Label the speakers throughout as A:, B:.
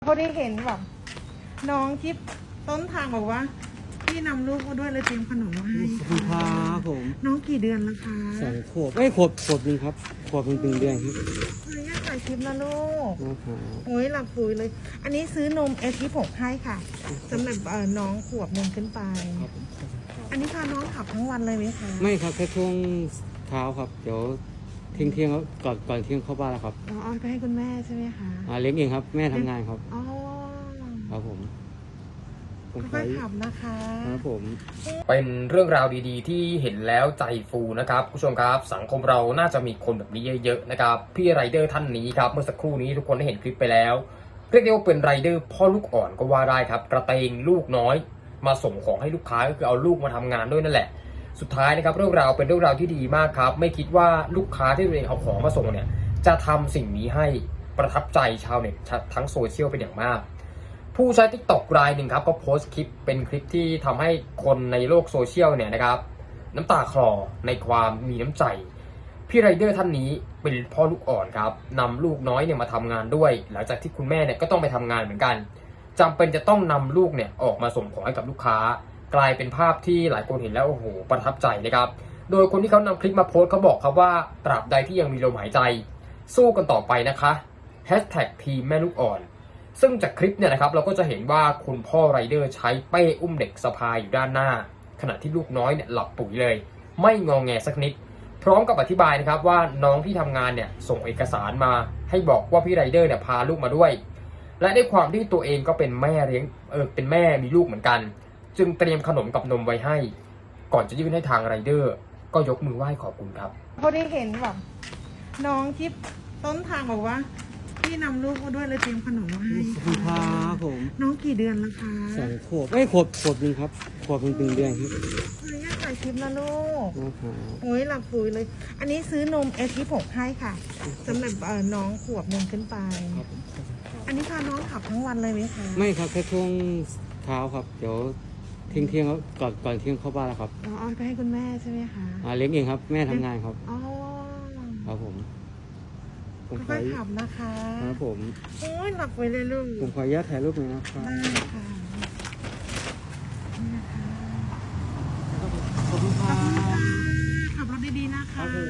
A: เขาได้เห็นแบบน้องที่ต้นทางบอกว่าพี่นำลูกมาด้วยเลยเตรียมขนมมาให้
B: ขอบคุณครับผม
A: น้องกี่เดือนแล้วคะ
B: 2 ขวบไม่ขวบหนึ่งครับขวบ1 เดือนครับ
A: ขออนุญาตถ่ายคลิปนะลูก
B: นะครับ
A: โอ้ยหลับปุ๋ยเลย อันนี้ซื้อนมS26ให้ค่ะสำหรับน้องขวบหนึ่งขึ้นไป
B: ครับผม
A: อันนี้พาน้องขับทั้งวันเลยไหมคะ
B: ไม่ครับแค่ช่วงเช้าครับเดี๋ยวเที่ยงแล้วก่อนเที่ยงเข้าบ้านแล้วครับ
A: อ๋อเอาไปให้คุณแม่ใช่ไหมคะ
B: เลี้ยงเองครับแม่ทำงานครับ
A: อ๋อ
B: ครับผมข
A: ค่อยๆขับนะคะ
B: ครับผม
C: เป็นเรื่องราวดีๆ ที่เห็นแล้วใจฟูนะครับคุณผู้ชมครับสังคมเราน่าจะมีคนแบบนี้เยอะๆนะครับพี่ไรเดอร์ท่านนี้ครับเมื่อสักครู่นี้ทุกคนได้เห็นคลิปไปแล้วเรียกได้ว่าเป็นไรเดอร์พ่อลูกอ่อนก็ว่าได้ครับกระเตงลูกน้อยมาส่งของให้ลูกค้าก็คือเอาลูกมาทำงานด้วยนั่นแหละสุดท้ายนะครับเรื่องราวเป็นเรื่องราวที่ดีมากครับไม่คิดว่าลูกค้าที่ตัวเองเอาของมาส่งเนี่ยจะทำสิ่งนี้ให้ประทับใจชาวเน็ตทั้งโซเชียลเป็นอย่างมากผู้ใช้ TikTok รายหนึ่งครับก็โพสต์คลิปเป็นคลิปที่ทำให้คนในโลกโซเชียลเนี่ยนะครับน้ำตาคลอในความมีน้ำใจพี่ไรเดอร์ท่านนี้เป็นพ่อลูกอ่อนครับนำลูกน้อยเนี่ยมาทำงานด้วยหลังจากที่คุณแม่เนี่ยก็ต้องไปทำงานเหมือนกันจำเป็นจะต้องนำลูกเนี่ยออกมาส่งของให้กับลูกค้ากลายเป็นภาพที่หลายคนเห็นแล้วโอ้โหประทับใจนะครับโดยคนที่เขานำคลิปมาโพสต์เขาบอกครับว่าตราบใดที่ยังมีลมหายใจสู้กันต่อไปนะคะทีมแม่ลูกอ่อนซึ่งจากคลิปเนี่ยนะครับเราก็จะเห็นว่าคุณพ่อไรเดอร์ใช้เป้อุ้มเด็กสะพายอยู่ด้านหน้าขณะที่ลูกน้อยเนี่ยหลับปุ๋ยเลยไม่งองแงสักนิดพร้อมกับอธิบายนะครับว่าน้องที่ทำงานเนี่ยส่งเอกสารมาให้บอกว่าพี่ไรเดอร์เนี่ยพาลูกมาด้วยและด้วยความที่ตัวเองก็เป็นแม่เลี้ยงเป็นแม่มีลูกเหมือนกันจึงเตรียมขนมกับนมไว้ให้ก่อนจะยื่นให้ทางไรเดอร์ก็ยกมือไหว้ขอบคุณครับ
A: เขาได้เห็นแบบน้องที่ต้นทางบอกว่าพี่นำลูกมาด้วยเลยเตรียมขนมมาให้
B: ขอบคุณครับผม
A: น้องกี่เดือนแล้วคะ
B: 2 ขวบไม่ขวบหนึ่งครับขวบ1 เดือนครับ
A: ขออนุญาตถ่ายคลิปนะลูก
B: นะครับ
A: โอ้ยหลับปุ๋ยเลย อันนี้ซื้อนมS26ให้ค่ะสำหรับน้องขวบหนึ่งขึ้นไป
B: ครับผม
A: อันนี้พาน้องขับทั้งวันเลยไหมคะ
B: ไม่ครับแค่ช่วงเช้าครับเดี๋ยวเที่ยงแล้วก่อนเที่ยงเข้าบ้านแล้วครับ
A: อ๋อเอาไปให้คุณแม่ใช่ไหมคะ
B: เลี้ยงเองครับแม่ทำงานครับ
A: อ๋อ
B: ครับผม
A: ค่อยๆขับนะคะ
B: ครับผม
A: โอ้ยหลับไปเลยลูก
B: ผมขออนุญาตถ่ายรูปหน่อยนะครับ
A: ได้ค่ะนี่นะคะ
B: ขอบคุณครับ
A: ขับรถดีๆนะคะ
B: ครับผม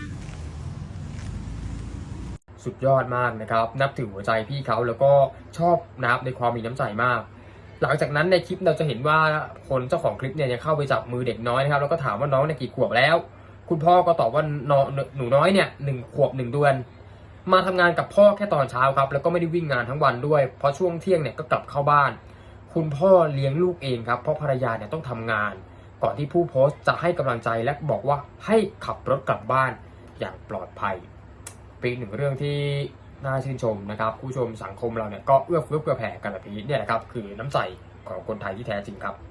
C: สุดยอดมากนะครับนับถือหัวใจพี่เขาแล้วก็ชอบนับในความมีน้ำใจมาก หลังจากนั้นในคลิปเราจะเห็นว่าคนเจ้าของคลิปเนี่ยยังเข้าไปจับมือเด็กน้อยนะครับแล้วก็ถามว่าน้องเนี่ยกี่ขวบแล้ว คุณพ่อก็ตอบว่าหนูน้อยเนี่ย1 ขวบ 1 เดือนมาทำงานกับพ่อแค่ตอนเช้าครับแล้วก็ไม่ได้วิ่งงานทั้งวันด้วยเพราะช่วงเที่ยงเนี่ยก็กลับเข้าบ้าน คุณพ่อเลี้ยงลูกเองครับเพราะภรรยาเนี่ยต้องทำงาน ก่อนที่ผู้โพสต์จะให้กำลังใจและบอกว่าให้ขับรถกลับบ้านอย่างปลอดภัยเป็นอีกหนึ่งเรื่องที่น่าชื่นชมนะครับผู้ชมสังคมเราเนี่ยก็เอื้อเฟื้อเผื่อแผ่กันแบบนี้เนี่ยนะครับคือน้ำใจของคนไทยที่แท้จริงครับ